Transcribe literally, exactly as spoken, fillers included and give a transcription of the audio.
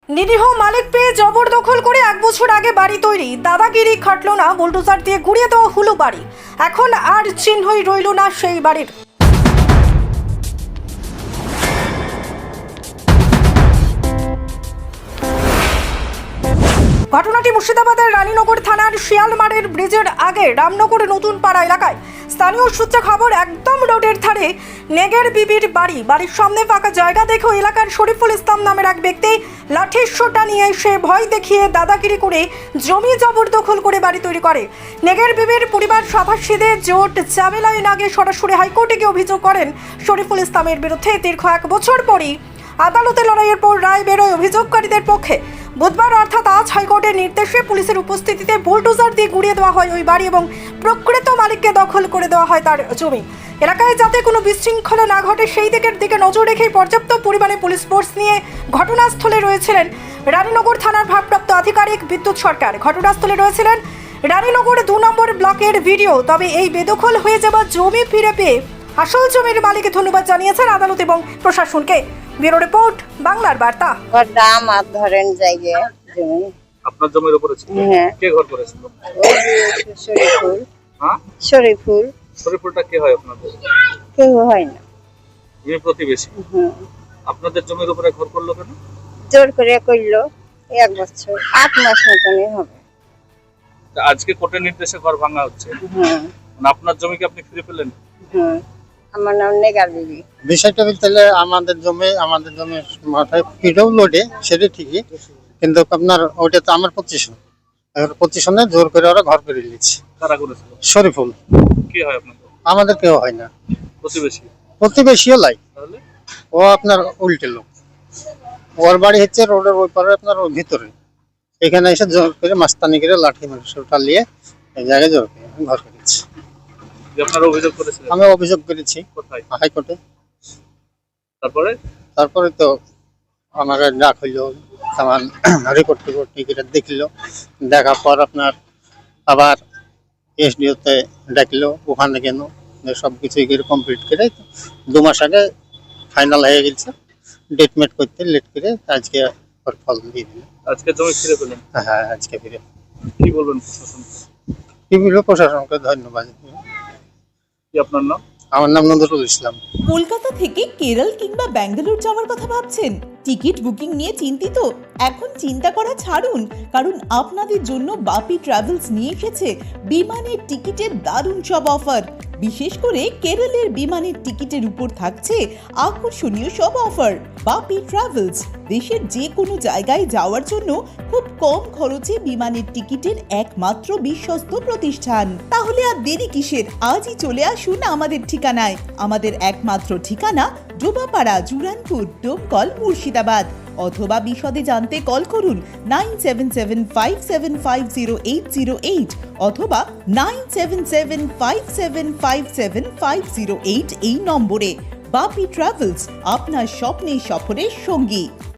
নিরীহ মালিক পেয়ে জবরদখল করে এক বছর আগে বাড়ি তৈরি, দাদাগিরি খাটলো না, বুলডোজার দিয়ে গুড়িয়ে দেওয়া হলো বাড়ি। এখন আর চিহ্নই রইল না সেই বাড়ির। ঘটনাটি মুর্শিদাবাদের রানীনগর থানার শিয়ালমারের ব্রিজের আগে রামনগর নতুন পাড়া এলাকায়। স্থানীয় সূত্রে খবর, একদম রোডের ধারে নেগের বিবির বাড়ি। বাড়ির সামনে ফাঁকা জায়গা দেখে এলাকার শরীফুল ইসলাম নামের এক ব্যক্তি লাঠির সোঁটা নিয়ে এসে ভয় দেখিয়ে দাদাগিরি করে জমি জবরদখল করে বাড়ি তৈরি করে। নেগের বিবির পরিবার সভাসীদের জোট ঝামেলায় আগে সরাসরি হাইকোর্টে গিয়ে অভিযোগ করেন শরীফুল ইসলামের বিরুদ্ধে। দীর্ঘ এক বছর পরই আদালতে লড়াইয়ের পর রায় বেরোয় অভিযোগকারীদের পক্ষে। বুধবার অর্থাৎ আজ হাইকোর্টের নির্দেশে পুলিশের উপস্থিতিতে বুলডোজার দিয়ে গুড়িয়ে দেওয়া হয় ওই বাড়ি এবং প্রকৃত মালিককে দখল করে দেওয়া হয় তার জমি। এলাকায় যাতে কোনো বিশৃঙ্খলা না ঘটে সেই দিকের দিকে নজর রেখেই পর্যাপ্ত পরিমাণে পুলিশ ফোর্স নিয়ে ঘটনাস্থলে রয়েছিলেন রানীনগর থানার ভারপ্রাপ্ত আধিকারিক বিদ্যুৎ সরকার। ঘটনাস্থলে রয়েছিলেন রানীনগর দু নম্বর ব্লকের ভিডিও। তবে এই বেদখল হয়ে যাওয়া জমি ফিরে পেয়ে আসল জমির মালিককে ধন্যবাদ জানিয়েছেন আদালত এবং প্রশাসনকে। ব্যুরো রিপোর্ট, বাংলার বার্তা। দাম আর ধরেন জায়গা জমি আপনার জমির উপরে ছিল? হ্যাঁ। কে ঘর করেছিল? শরীফুল। হ্যাঁ, শরীফুল। শরীফুলটা কে হয় আপনাদের? কেউ হয় না। তুমি প্রতিবেশী? হুম। আপনাদের জমির উপরে ঘর করলো কেন? জোর করে করলো। এক বছর আট মাস মতনই হবে। তা আজকে কোর্টের নির্দেশে ঘর ভাঙা হচ্ছে। হুম মানে আপনার জমিকে আপনি ফিরে পেলেন? হুম। আমার নাম নেগার বিবি। বিষয়টা বলতে আমাদের জমি আমাদের জমির মাথায় পিডও লোডে, সেটা ঠিকই, কিন্তু আপনার ওইটা তো আমার পজিশন, পজিশনে জোর করে ওরা ঘর করে নিচ্ছে। কারা করেছিল? শরীফুল। কে হয় আপনাদের? আমাদের কেউ হয় না, প্রতিবেশী। প্রতিবেশীও লাই। তাহলে ও আপনার উল্টে লোক। ওর বাড়ি হচ্ছে রোডের ওই পারে, আপনার ওর ভিতরে। এখানে এসে জোর করে মাস্তানি করে লাঠি মাংসটা নিয়ে এই জায়গায় জোর করে ঘর করেছে। আপনারা অভিযোগ করেছিলেন? আমি অভিযোগ করেছি কোথায়? হাইকোর্টে। তারপরে তারপরে তো আমাকে ডাক হইলো, সামান রিপোর্ট টিপোর্ট টিকিট দেখলো, দেখার পর আপনার আবার এসডিওতে ডাকলো, ওখানে কেন সব কিছু কমপ্লিট করে দু মাস আগে ফাইনাল হয়ে গেছে। ডেট মেট করতে লেট করে আজকে ওর ফল দিয়ে দিল। আজকে জমি ফিরে পেলেন? হ্যাঁ, আজকে ফিরে। কি বলবেন প্রশাসন? কি বলবো, প্রশাসনকে ধন্যবাদ। কি আপনার নাম? আমার নাম নজরুল ইসলাম। কলকাতা থেকে কেরল কিংবা ব্যাঙ্গালোর যাওয়ার কথা ভাবছেন? টিকিট বুকিং নিয়ে চিন্তিত? এখন চিন্তা করা ছাড়ুন, কারণ আপনাদের জন্য বাপি ট্রাভেলস নিয়ে এসেছে বিমানের টিকিটের দারুণ সব অফার। বিশেষ করে কেরলের বিমানের টিকিটের উপর থাকছে আকর্ষণীয় সব অফার। বাপি ট্রাভেলস দেশের যে কোনো জায়গায় যাওয়ার জন্য খুব কম খরচে বিমানের টিকিটের একমাত্র বিশ্বস্ত প্রতিষ্ঠান। তাহলে আর দেরি কিসের? আজই চলে আসুন আমাদের ঠিকানায়। আমাদের একমাত্র ঠিকানা ডোবাপাড়া, জুরানপুর, ডোমকল, মুর্শিদাবাদ। অথবা বিশদে জানতে কল করুন nine seven seven five seven five zero eight zero eight অথবা nine seven seven five seven five seven five zero eight এই নম্বরে। বাপি ট্রাভেলস, আপনার স্বপ্নে সফরের সঙ্গী।